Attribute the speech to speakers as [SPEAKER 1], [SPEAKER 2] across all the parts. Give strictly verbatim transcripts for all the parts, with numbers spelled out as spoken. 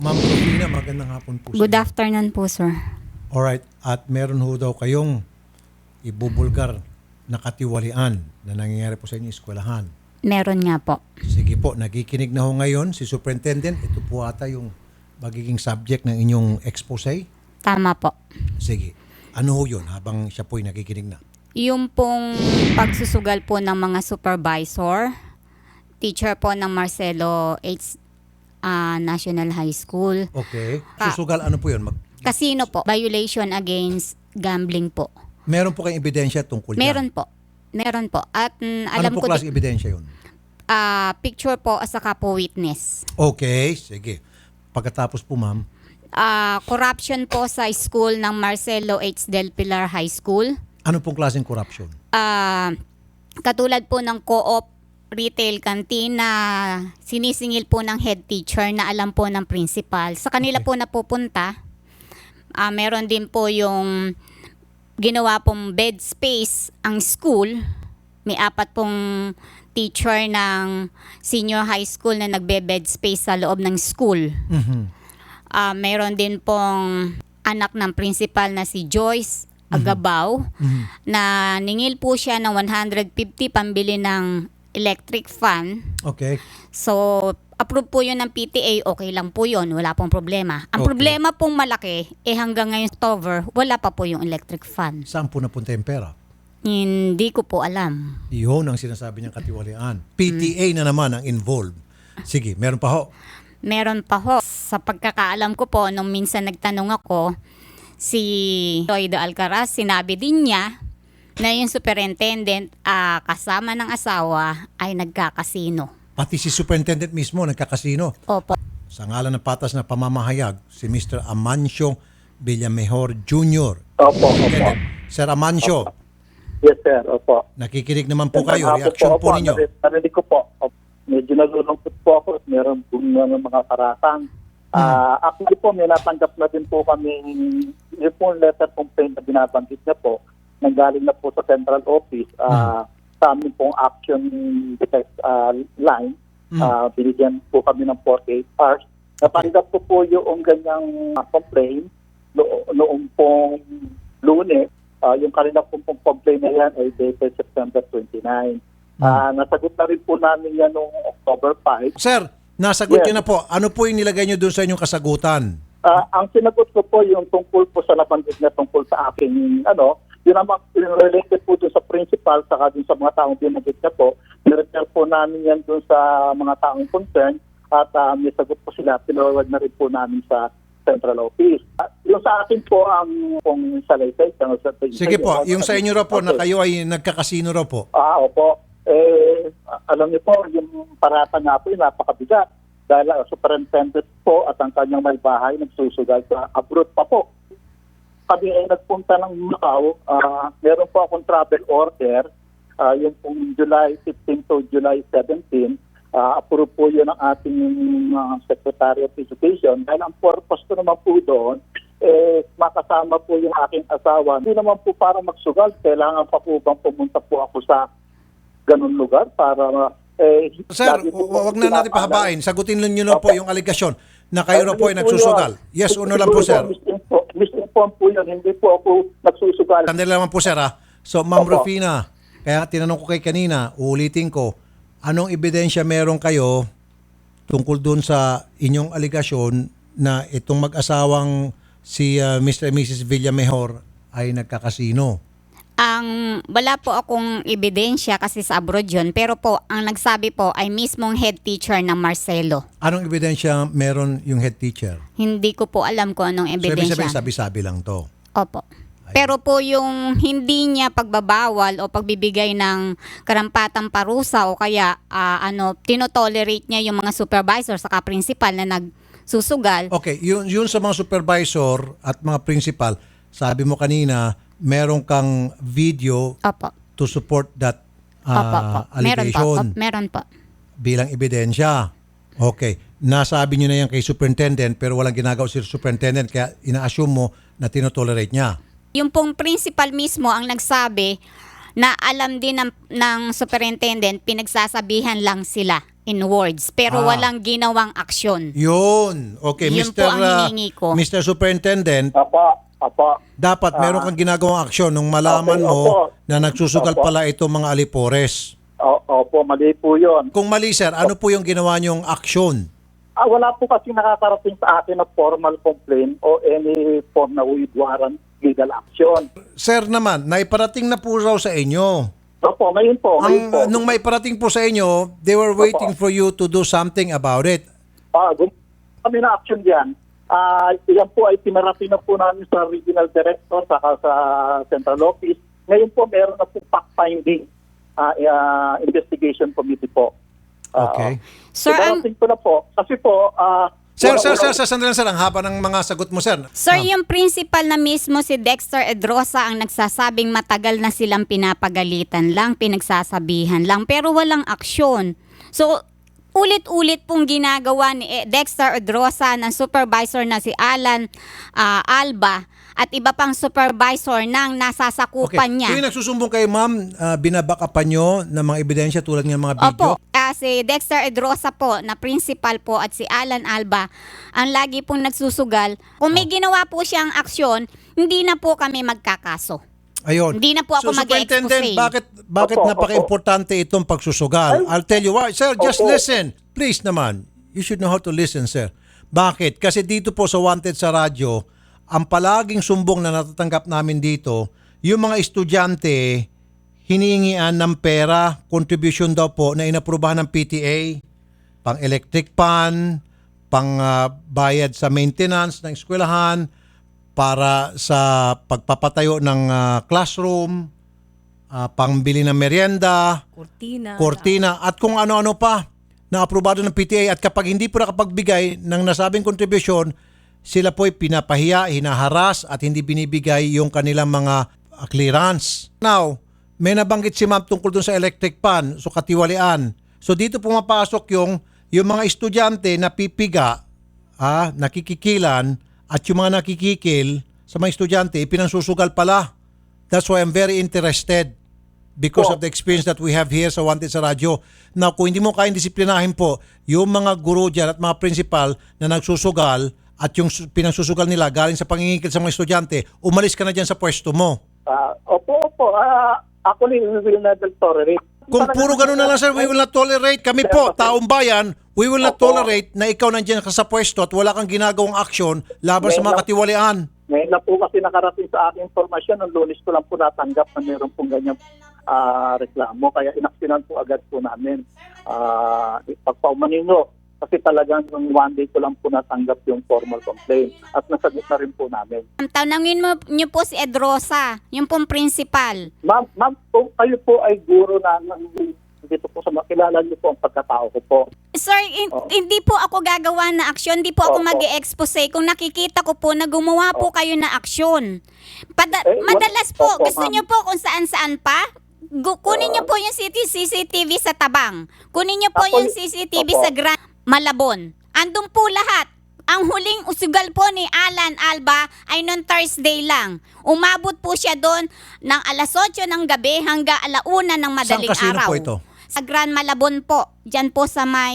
[SPEAKER 1] Ma'am Rufina, magandang hapon po.
[SPEAKER 2] Good
[SPEAKER 1] sa inyo.
[SPEAKER 2] afternoon po, sir.
[SPEAKER 1] Alright, at meron ho daw kayong ibubulgar na katiwalian na nangyayari po sa inyong eskwelahan.
[SPEAKER 2] Meron nga po.
[SPEAKER 1] Sige po, nagikinig na ho ngayon si Superintendent. Ito po ata yung magiging subject ng inyong expose.
[SPEAKER 2] Tama po.
[SPEAKER 1] Sige, ano ho yun habang siya po'y nagikinig na?
[SPEAKER 2] Yung pong pagsusugal po ng mga supervisor, teacher po ng Marcelo H. ah, National High School.
[SPEAKER 1] Okay.
[SPEAKER 2] Ah.
[SPEAKER 1] Susugal, ano po yun? Mag-
[SPEAKER 2] Casino po. Violation against gambling po.
[SPEAKER 1] meron po kayong ebidensya tungkol dyan?
[SPEAKER 2] Meron po. Meron po. At mm, alam
[SPEAKER 1] Ano po
[SPEAKER 2] ko,
[SPEAKER 1] klase ebidensya yun?
[SPEAKER 2] ah, picture po at saka po witness.
[SPEAKER 1] Okay, sige. Pagkatapos po, ma'am,
[SPEAKER 2] Ah, corruption po sa school ng Marcelo H. Del Pilar High School.
[SPEAKER 1] ano pong klaseng corruption?
[SPEAKER 2] Ah, katulad po ng co-op retail canteen na sinisingil po ng head teacher na alam po ng principal. Sa kanila
[SPEAKER 1] Okay.
[SPEAKER 2] po napupunta. Ah, meron din po yung ginawa pong bed space ang school. May apat pong teacher ng senior high school na nagbe-bed space sa loob ng school.
[SPEAKER 1] Mhm.
[SPEAKER 2] Ah, meron din pong anak ng principal na si Joyce Agabaw
[SPEAKER 1] Mhm.
[SPEAKER 2] na ningil po siya ng one hundred fifty pambili ng electric fan.
[SPEAKER 1] Okay.
[SPEAKER 2] So, approve po yun ng P T A, okay lang po yun, wala pong problema. Ang
[SPEAKER 1] Okay.
[SPEAKER 2] problema pong malaki, eh hanggang ngayon October, wala pa po yung electric fan.
[SPEAKER 1] Saan po napunta yung pera?
[SPEAKER 2] Hindi ko po alam.
[SPEAKER 1] Yun ang sinasabi niyang katiwalian. P T A na naman ang involved. Sige, meron pa ho.
[SPEAKER 2] Meron pa ho, sa pagkakaalam ko po, nung minsan nagtanong ako, si Toydo Alcaraz, sinabi din niya na yung superintendent ah, kasama ng asawa ay nagkakasino.
[SPEAKER 1] Pati si Superintendent mismo nagkakasino.
[SPEAKER 2] Opo.
[SPEAKER 1] Sa ngalan ng patas na pamamahayag, si Mister Amancio Villamejor Junior
[SPEAKER 3] Opo, opo.
[SPEAKER 1] Superintendent, Sir Amancio,
[SPEAKER 3] Yes, sir. Opo.
[SPEAKER 1] nakikinig naman po kayo.
[SPEAKER 3] Hapon
[SPEAKER 1] Reaction po
[SPEAKER 3] opo.
[SPEAKER 1] ninyo.
[SPEAKER 3] Narinig, narinig ko po. Opo. Medyo nalulungkot po ako at meron po ng mga paratang. Ah, actually po, may natanggap na din po kami yung po letter complaint na binabanggit niya po. Nanggaling na po sa central office. Ah, sa amin pong action defense ah, line. Ah, binigyan po kami ng forty-eight hours. Natanggap ko po yung ganyang ah, complaint no, noong pong Lunes. Ah, yung kanila pong, pong complaint na yan ay dated September twenty-nine. Ah, nasagot na rin po namin yan noong October five.
[SPEAKER 1] Sir, nasagot
[SPEAKER 3] Yes.
[SPEAKER 1] niyo na po. Ano po yung nilagay niyo doon sa inyong kasagutan?
[SPEAKER 3] Ah, ang sinagot ko po yung tungkol po sa nabanggit na tungkol sa aking ano, yun naman yung related po dun sa principal saka dun sa mga taong binanggit na po. Nirefer po namin yan dun sa mga taong concern at uh, may sagot po sila. Pinawag na rin po namin sa central office. At yung sa akin po ang pong salaysay. Sa,
[SPEAKER 1] Sige po, yung sa inyo raw po na
[SPEAKER 3] Okay.
[SPEAKER 1] kayo ay nagkakasino raw po.
[SPEAKER 3] Ah, opo. Eh, alam niyo po, yung parata nga po, yung napakabigat. Dahil ang superintendent po at ang kanyang may bahay nagsusugal sa abroad pa po. Kami ay nagpunta ng Macau. Ah, meron po akong travel order. Ah, yung pong July fifteenth to July seventeenth. Ah, approve po yun ng ating ah, Secretary of Education. Dahil ang purpose ko naman po doon, eh, makasama po yung aking asawa. Hindi naman po para magsugal. Kailangan pa po bang pumunta po ako sa ganun lugar para eh,
[SPEAKER 1] Sir,
[SPEAKER 3] lagi po po
[SPEAKER 1] wag na natin
[SPEAKER 3] pinapaalala.
[SPEAKER 1] pahabain. Sagutin niyo lang po
[SPEAKER 3] Okay.
[SPEAKER 1] yung allegation na kayo raw po ay
[SPEAKER 3] Ay, hindi
[SPEAKER 1] nagsusugal.
[SPEAKER 3] yun.
[SPEAKER 1] Yes o no lang po, sir.
[SPEAKER 3] Misinfo- Misinform po yun. Hindi po ako nagsusugal.
[SPEAKER 1] Sandali lang po, sir, ha? So, Ma'am
[SPEAKER 3] Opo.
[SPEAKER 1] Rufina, kaya tinanong ko kay kanina, uulitin ko, anong ebidensya meron kayo tungkol dun sa inyong aligasyon na itong mag-asawang si uh, Mister and Missus Villamejor ay nagkakasino?
[SPEAKER 2] Ang wala po akong ebidensya kasi sa abroad yun, pero po ang nagsabi po ay mismong head teacher ng Marcelo.
[SPEAKER 1] Anong ebidensya meron yung head teacher?
[SPEAKER 2] Hindi ko po alam kung anong
[SPEAKER 1] So, ibig
[SPEAKER 2] ebidensya.
[SPEAKER 1] sabihin, sabi-sabi lang to.
[SPEAKER 2] Opo. Pero po yung hindi niya pagbabawal o pagbibigay ng karampatang parusa o kaya ah, ano tinotolerate niya yung mga supervisor saka principal na nagsusugal.
[SPEAKER 1] Okay, yun, yun sa mga supervisor at mga principal, sabi mo kanina, meron kang video
[SPEAKER 2] Opo.
[SPEAKER 1] to support that
[SPEAKER 2] Opo, opo.
[SPEAKER 1] uh,
[SPEAKER 2] Meron po.
[SPEAKER 1] allegation
[SPEAKER 2] Opo, meron po.
[SPEAKER 1] bilang ebidensya. Okay. Nasabi nyo na yan kay superintendent pero walang ginagawa si superintendent kaya ina-assume mo na tinotolerate niya.
[SPEAKER 2] Yung pong principal mismo ang nagsabi na alam din ng, ng superintendent, pinagsasabihan lang sila in words, pero
[SPEAKER 1] Ah.
[SPEAKER 2] walang ginawang aksyon.
[SPEAKER 1] Yun. Okay,
[SPEAKER 2] Yun
[SPEAKER 1] mister
[SPEAKER 2] po ang
[SPEAKER 1] uh,
[SPEAKER 2] hinihingi ko.
[SPEAKER 1] mister Superintendent,
[SPEAKER 3] Apa, apa.
[SPEAKER 1] dapat meron kang ginagawang aksyon nung malaman
[SPEAKER 3] Okay,
[SPEAKER 1] mo
[SPEAKER 3] opo.
[SPEAKER 1] na nagsusugal
[SPEAKER 3] Opo.
[SPEAKER 1] pala itong mga alipores.
[SPEAKER 3] O- Opo, mali po yun.
[SPEAKER 1] Kung mali, sir, ano po yung ginawa niyong aksyon?
[SPEAKER 3] Ah, wala po kasi nakakarating sa akin na formal complaint o any form na with warrant legal action.
[SPEAKER 1] Sir naman, naiparating na po raw sa inyo.
[SPEAKER 3] Opo, ngayon po, ngayon
[SPEAKER 1] Ang,
[SPEAKER 3] po.
[SPEAKER 1] nung may parating po sa inyo, they were waiting for you to do something about it.
[SPEAKER 3] Ah, gum- kami na action diyan. Ah, yan po ay pinarating na po namin sa regional director saka sa central office. Ngayon po meron na po fact-finding ah, ah, investigation committee po. Ah,
[SPEAKER 1] Okay.
[SPEAKER 2] Sir, ang,
[SPEAKER 3] pinarating ko na po kasi po ah,
[SPEAKER 1] Sir,
[SPEAKER 3] wala-
[SPEAKER 1] sir, sir,
[SPEAKER 3] wala-
[SPEAKER 1] sir, sandali lang, sir. Ang haba ng mga sagot mo, sir.
[SPEAKER 2] sir,
[SPEAKER 1] Ah.
[SPEAKER 2] yung principal na mismo si Dexter Edrosa ang nagsasabing matagal na silang pinapagalitan lang, pinagsasabihan lang, pero walang aksyon. So, ulit-ulit pong ginagawa ni eh, Dexter Edrosa ng supervisor na si Alan ah, Alba at iba pang supervisor ng nasasakupan niya.
[SPEAKER 1] Tuwing nagsusumbong kayo, ma'am, uh, binabakapan nyo ng mga ebidensya tulad ng mga video?
[SPEAKER 2] Opo, ah, si Dexter Edrosa po na principal po at si Alan Alba ang lagi pong nagsusugal. Kung may ginawa po siyang aksyon, hindi na po kami magkakaso.
[SPEAKER 1] Ayun.
[SPEAKER 2] Hindi na po ako
[SPEAKER 1] So, Superintendent,
[SPEAKER 2] mag-e-expose.
[SPEAKER 1] bakit, bakit
[SPEAKER 3] Opo,
[SPEAKER 1] napaka-importante itong pagsusugal? I'll tell you why. Sir, just
[SPEAKER 3] Opo.
[SPEAKER 1] listen. Please naman. You should know how to listen, sir. Bakit? Kasi dito po sa Wanted sa radyo, ang palaging sumbong na natatanggap namin dito, yung mga estudyante, hinihingian ng pera, contribution daw po na inaprubahan ng P T A, pang electric pan, pang ah, bayad sa maintenance ng eskwelahan, para sa pagpapatayo ng ah, classroom, ah, pangbili ng merienda,
[SPEAKER 4] Cortina.
[SPEAKER 1] kortina, at kung ano-ano pa na aprobado ng P T A. At kapag hindi po nakapagbigay ng nasabing contribution, sila po'y pinapahiya, hinaharas at hindi binibigay yung kanilang mga ah, clearance. Now, may nabanggit si ma'am tungkol dun sa electric pan, so katiwalian. So dito pumapasok yung, yung mga estudyante na pipiga, ah, nakikikilan, at yung mga nakikikil sa mga estudyante, pinansusugal pala. That's why I'm very interested because
[SPEAKER 3] Po.
[SPEAKER 1] of the experience that we have here sa Wanted sa Radyo. Now, kung hindi mo kayang disiplinahin po, yung mga guro dyan at mga principal na nagsusugal at yung su- pinansusugal nila galing sa pangingikil sa mga estudyante, umalis ka na dyan sa pwesto mo.
[SPEAKER 3] Ah, opo, opo. Ah, ako ni will not tolerate.
[SPEAKER 1] Kung puro ganun na lang, sir, we will not tolerate. Kami po, taong bayan, we will not
[SPEAKER 3] Opo.
[SPEAKER 1] tolerate na ikaw nandiyan ka sa pwesto at wala kang ginagawang aksyon laban sa mga katiwalian.
[SPEAKER 3] Ngayon na po kasi nakarating sa aking informasyon, ng Lunes ko lang po natanggap na meron pong ganyang ah, reklamo. Kaya inaksyonan po agad po namin. Uh, Pagpaumanin nyo, kasi talagang yung one day ko lang po natanggap yung formal complaint. At nasagot na rin po namin.
[SPEAKER 2] Tanungin mo niyo po si Edrosa, yung pong principal.
[SPEAKER 3] Ma'am, ma'am kung kayo po ay guro na ng- dito po sa makilala niyo po ang pagkatao ko po.
[SPEAKER 2] Sir, in-
[SPEAKER 3] Oo.
[SPEAKER 2] hindi po ako gagawa na aksyon, hindi po ako
[SPEAKER 3] Opo.
[SPEAKER 2] mag-e-expose kung nakikita ko po na gumawa po kayo na aksyon. Pada-
[SPEAKER 3] Eh, wa-
[SPEAKER 2] madalas po,
[SPEAKER 3] Opo,
[SPEAKER 2] gusto
[SPEAKER 3] ma'am.
[SPEAKER 2] niyo po kung saan-saan pa? Gu- kunin niyo po yung C C T V sa Tabang. Kunin niyo po
[SPEAKER 3] Ako-
[SPEAKER 2] yung C C T V
[SPEAKER 3] Opo.
[SPEAKER 2] sa Grand Malabon. Andun po lahat. Ang huling usugal po ni Alan Alba ay noong Thursday lang. Umabot po siya doon ng alas otso ng gabi hanggang alauna ng madaling
[SPEAKER 1] Saan kasino
[SPEAKER 2] araw.
[SPEAKER 1] po ito?
[SPEAKER 2] Sa Grand Malabon po. Diyan po sa may...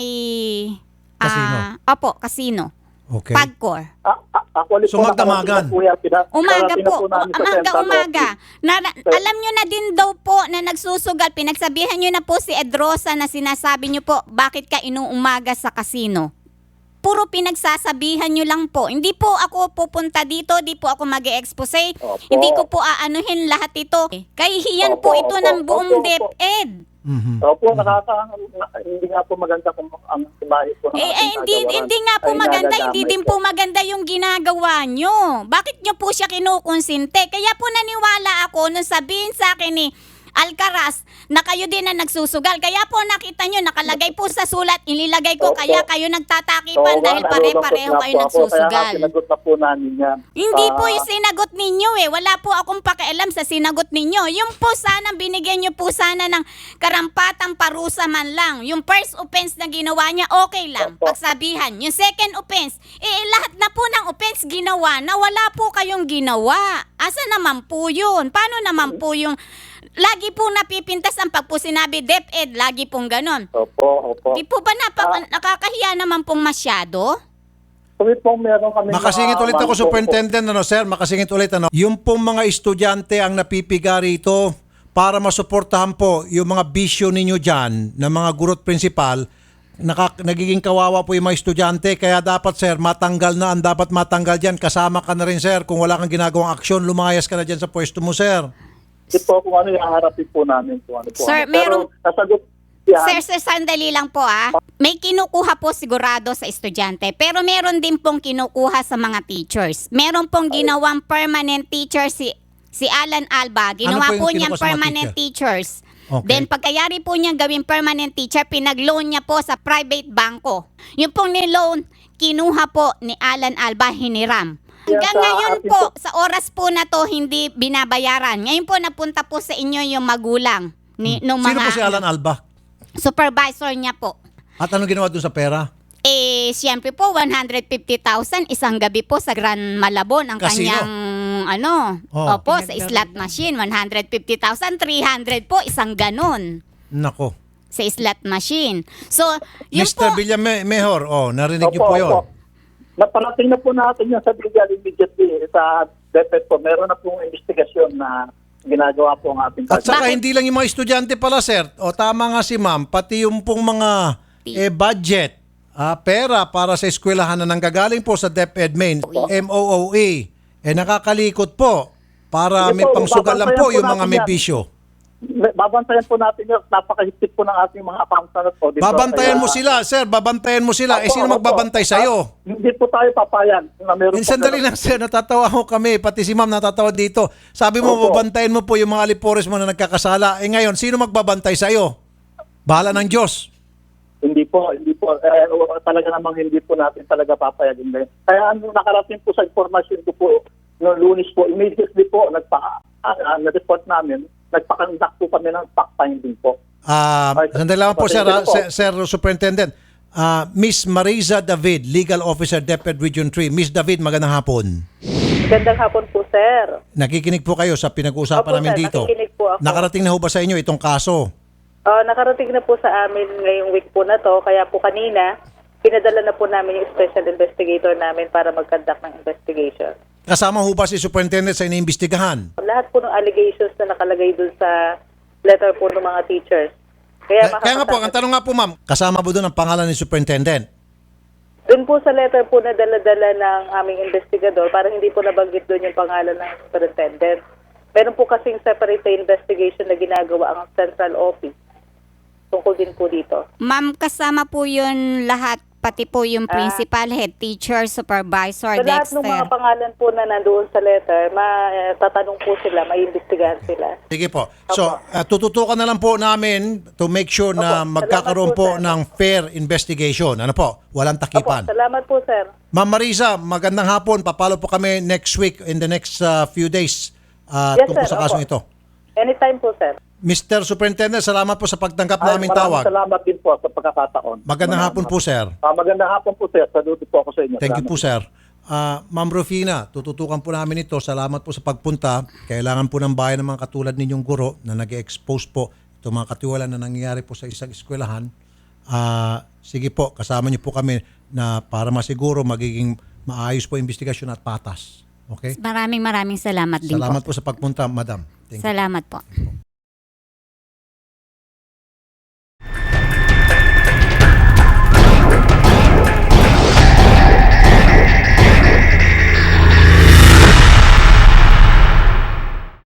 [SPEAKER 1] Kasino?
[SPEAKER 2] ah, opo, kasino.
[SPEAKER 1] Okay.
[SPEAKER 2] Pagcor.
[SPEAKER 3] A- a- ako ulit
[SPEAKER 1] So,
[SPEAKER 3] po
[SPEAKER 1] magdamagan.
[SPEAKER 3] nakarating na po yan. Pina-
[SPEAKER 2] Umaga
[SPEAKER 3] nakarating na
[SPEAKER 2] po,
[SPEAKER 3] namin sa
[SPEAKER 2] umaga,
[SPEAKER 3] central
[SPEAKER 2] umaga.
[SPEAKER 3] office.
[SPEAKER 2] Na, na- alam nyo na din daw po na nagsusugal. Pinagsabihan nyo na po si Edrosa na sinasabi nyo po, bakit ka inuumaga sa kasino? Puro pinagsasabihan nyo lang po. Hindi po ako pupunta dito, di po ako mag-e-expose.
[SPEAKER 3] Opo.
[SPEAKER 2] Hindi ko po aanuhin lahat ito. Kahihiyan po
[SPEAKER 3] Opo,
[SPEAKER 2] ito
[SPEAKER 3] opo,
[SPEAKER 2] ng buong
[SPEAKER 3] opo, opo.
[SPEAKER 2] DepEd.
[SPEAKER 1] Mhm.
[SPEAKER 3] Opo, nakaka na- hindi nga po maganda kung ang imahe po ng
[SPEAKER 2] Eh, eh,
[SPEAKER 3] ating
[SPEAKER 2] hindi,
[SPEAKER 3] kagawaran
[SPEAKER 2] hindi nga po
[SPEAKER 3] ay
[SPEAKER 2] maganda, hindi
[SPEAKER 3] nadadamay
[SPEAKER 2] din po maganda yung ginagawa nyo. Bakit nyo po siya kinukonsinte? Kaya po naniwala ako nung sabihin sa akin ni Alcaraz na kayo din na nagsusugal. Kaya po nakita nyo, nakalagay po sa sulat, inilagay ko,
[SPEAKER 3] Opo.
[SPEAKER 2] kaya kayo nagtatakipan
[SPEAKER 3] Oo,
[SPEAKER 2] dahil
[SPEAKER 3] nga,
[SPEAKER 2] pare-pareho
[SPEAKER 3] nalulungkot
[SPEAKER 2] kayo
[SPEAKER 3] nga po ako. Kaya
[SPEAKER 2] nagsusugal.
[SPEAKER 3] nga sinagot na po namin yan.
[SPEAKER 2] Hindi po
[SPEAKER 3] Ah,
[SPEAKER 2] yung sinagot ninyo eh. Wala po akong pakialam sa sinagot ninyo. Yung po sana, binigyan nyo po sana ng karampatang parusa man lang. Yung first offense na ginawa niya, okay lang.
[SPEAKER 3] Opo.
[SPEAKER 2] Pagsabihan. Yung second offense, eh lahat na po ng offense ginawa na wala po kayong ginawa. Asa naman po yun? Paano naman po yung lagi po napipintas ang pag po sinabi DepEd, lagi pong ganon.
[SPEAKER 3] Opo, opo.
[SPEAKER 2] Di po ba napaka- nakakahiya naman pong masyado?
[SPEAKER 3] Kami po meron kami
[SPEAKER 1] Makasingit ulit ako, Superintendent, ano, sir, makasingit ulit, ano. Yung pong mga estudyante ang napipiga rito para masuportahan po yung mga bisyo ninyo dyan ng mga guro at principal, nakak- nagiging kawawa po yung mga estudyante, kaya dapat, sir, matanggal na ang dapat matanggal dyan. Kasama ka na rin, sir, kung wala kang ginagawang aksyon, lumayas ka na dyan sa pwesto mo, sir.
[SPEAKER 3] Ito po kung ano yung harapin po namin. Kung ano po.
[SPEAKER 2] Sir,
[SPEAKER 3] Pero
[SPEAKER 2] merong-
[SPEAKER 3] nasagot yan.
[SPEAKER 2] Sir, sir, sandali lang po ah. May kinukuha po sigurado sa estudyante, pero meron din pong kinukuha sa mga teachers. Meron pong ginawang permanent teacher si si Alan Alba. Ginawa
[SPEAKER 1] Ano po yung
[SPEAKER 2] po niyang
[SPEAKER 1] kinukuha sa mga
[SPEAKER 2] permanent teachers.
[SPEAKER 1] Okay.
[SPEAKER 2] Then pagkayari po niyang gawing permanent teacher, pinag-loan niya po sa private banko. Yung pong ni-loan, kinuha po ni Alan Alba, hiniram. Hanggang
[SPEAKER 3] Yan sa
[SPEAKER 2] ngayon
[SPEAKER 3] atin
[SPEAKER 2] po,
[SPEAKER 3] po.
[SPEAKER 2] sa oras po na to, hindi binabayaran. Ngayon po, napunta po sa inyo yung magulang ni, nung
[SPEAKER 1] Sino
[SPEAKER 2] mga
[SPEAKER 1] po si Alan Alba?
[SPEAKER 2] supervisor niya po.
[SPEAKER 1] At anong ginawa dun sa pera?
[SPEAKER 2] Eh, siyempre po, one hundred fifty thousand isang gabi po sa Gran Malabon ang
[SPEAKER 1] Casino.
[SPEAKER 2] kanyang, ano,
[SPEAKER 1] Oh.
[SPEAKER 2] opo, sa slot machine. one hundred fifty thousand, three hundred po, isang ganon
[SPEAKER 1] Nako.
[SPEAKER 2] sa slot machine. So, yun
[SPEAKER 1] Mister
[SPEAKER 2] po,
[SPEAKER 1] Villamejor, oh, narinig niyo po yun.
[SPEAKER 3] Naparating na po natin yan sa legal immediately sa DepEd po. Meron na pong investigasyon na ginagawa po ang ating
[SPEAKER 1] At saka
[SPEAKER 2] Bakit?
[SPEAKER 1] hindi lang yung mga estudyante pala, sir. O tama nga si ma'am, pati yung pong mga eh, budget, ah, pera para sa eskwelahan na nanggagaling po sa DepEd Main, M O O E, eh nakakalikot po para
[SPEAKER 3] Sige
[SPEAKER 1] may
[SPEAKER 3] po,
[SPEAKER 1] pangsugal lang
[SPEAKER 3] babantayan
[SPEAKER 1] po
[SPEAKER 3] po
[SPEAKER 1] yung mga
[SPEAKER 3] natin
[SPEAKER 1] may
[SPEAKER 3] yan.
[SPEAKER 1] bisyo.
[SPEAKER 3] Babantayan po natin yun. Napakahigpit po ng ating mga accountant po. Dito.
[SPEAKER 1] Babantayan
[SPEAKER 3] Kaya-
[SPEAKER 1] mo sila, sir, babantayan mo sila. Eh
[SPEAKER 3] Opo,
[SPEAKER 1] sino
[SPEAKER 3] opo.
[SPEAKER 1] magbabantay sa'yo?
[SPEAKER 3] Ah, Hindi po tayo papayag na meron
[SPEAKER 1] Eh,
[SPEAKER 3] po
[SPEAKER 1] sandali
[SPEAKER 3] ganun.
[SPEAKER 1] lang, sir, natatawa ho kami, pati si ma'am natatawa dito. Sabi mo,
[SPEAKER 3] Opo.
[SPEAKER 1] babantayan mo po yung mga alipores mo na nagkakasala. Eh ngayon, sino magbabantay sa'yo? Bahala ng Diyos.
[SPEAKER 3] Hindi po, hindi po. Eh, talaga namang hindi po natin talaga papayagin ngayon. Kaya ano nakarating po sa informasyon ko po, noong Lunes po, immediately po, nagpa, uh, na-report namin, nagpakandak po kami ng fact-finding po.
[SPEAKER 1] Ah,
[SPEAKER 3] Ay,
[SPEAKER 1] sandali lang po, sir, ah,
[SPEAKER 3] pasensya po.
[SPEAKER 1] sir, sir Superintendent. Ah, Miss Mariza David, Legal Officer, DepEd Region three. Miss David, magandang hapon.
[SPEAKER 4] Gandang hapon po, sir.
[SPEAKER 1] Nakikinig po kayo sa pinag-uusapan
[SPEAKER 4] Opo,
[SPEAKER 1] namin
[SPEAKER 4] sir,
[SPEAKER 1] dito.
[SPEAKER 4] nakikinig po ako.
[SPEAKER 1] Nakarating na ho ba sa inyo itong kaso?
[SPEAKER 4] Ah, nakarating na po sa amin ngayong week po na to, kaya po kanina, pinadala na po namin yung special investigator namin para mag-conduct ng investigation.
[SPEAKER 1] Kasama ho ba si Superintendent sa iniimbestigahan?
[SPEAKER 4] Lahat po ng allegations na nakalagay dun sa letter po ng mga teachers. Kaya,
[SPEAKER 1] Kaya, kaya nga po, ang tanong nga po ma'am, kasama po doon ang pangalan ni Superintendent?
[SPEAKER 4] Dun po sa letter po na dala-dala ng aming investigador, para hindi po nabanggit doon yung pangalan ng superintendent. Meron po kasing separate investigation na ginagawa ang central office. Tungkol din po dito.
[SPEAKER 2] ma'am, kasama po yun lahat, pati po yung principal, head teacher, supervisor,
[SPEAKER 4] Sa lahat ng mga
[SPEAKER 2] Dexter.
[SPEAKER 4] pangalan po na nandoon sa letter, matatanong po sila, maiimbestigahan sila.
[SPEAKER 1] Sige po. So, uh, tututukan na lang po namin to make sure na
[SPEAKER 4] Opo,
[SPEAKER 1] magkakaroon
[SPEAKER 4] salamat
[SPEAKER 1] po,
[SPEAKER 4] po, sir.
[SPEAKER 1] ng fair investigation. Ano po? Walang
[SPEAKER 4] Opo,
[SPEAKER 1] takipan.
[SPEAKER 4] salamat po, sir.
[SPEAKER 1] Ma'am Mariza, magandang hapon. Papalo po kami next week, in the next uh, few days, uh,
[SPEAKER 4] Yes,
[SPEAKER 1] tungkol
[SPEAKER 4] sir.
[SPEAKER 1] sa kasong
[SPEAKER 4] Opo.
[SPEAKER 1] ito.
[SPEAKER 4] Anytime po, sir.
[SPEAKER 1] Mister Superintendent, salamat po sa pagtanggap
[SPEAKER 3] Ay,
[SPEAKER 1] naming
[SPEAKER 3] maraming
[SPEAKER 1] tawag.
[SPEAKER 3] salamat din po sa pagkakataon.
[SPEAKER 1] Magandang hapon po, sir.
[SPEAKER 3] Ah, magandang hapon po, sir. Saludo po ako sa inyo.
[SPEAKER 1] Thank you
[SPEAKER 3] Salamat.
[SPEAKER 1] po, sir. Ah, Ma'am Rufina, tututukan po namin ito. Salamat po sa pagpunta. Kailangan po ng bayan ng mga katulad ninyong guro na nag-expose po itong mga katiwalaan na nangyayari po sa isang eskwelahan. Ah, sige po, kasama niyo po kami na para masiguro magiging maayos po investigasyon at patas. Okay?
[SPEAKER 2] Maraming maraming salamat din
[SPEAKER 1] Salamat
[SPEAKER 2] po.
[SPEAKER 1] po sa pagpunta, madam. Thank you.
[SPEAKER 2] Salamat po.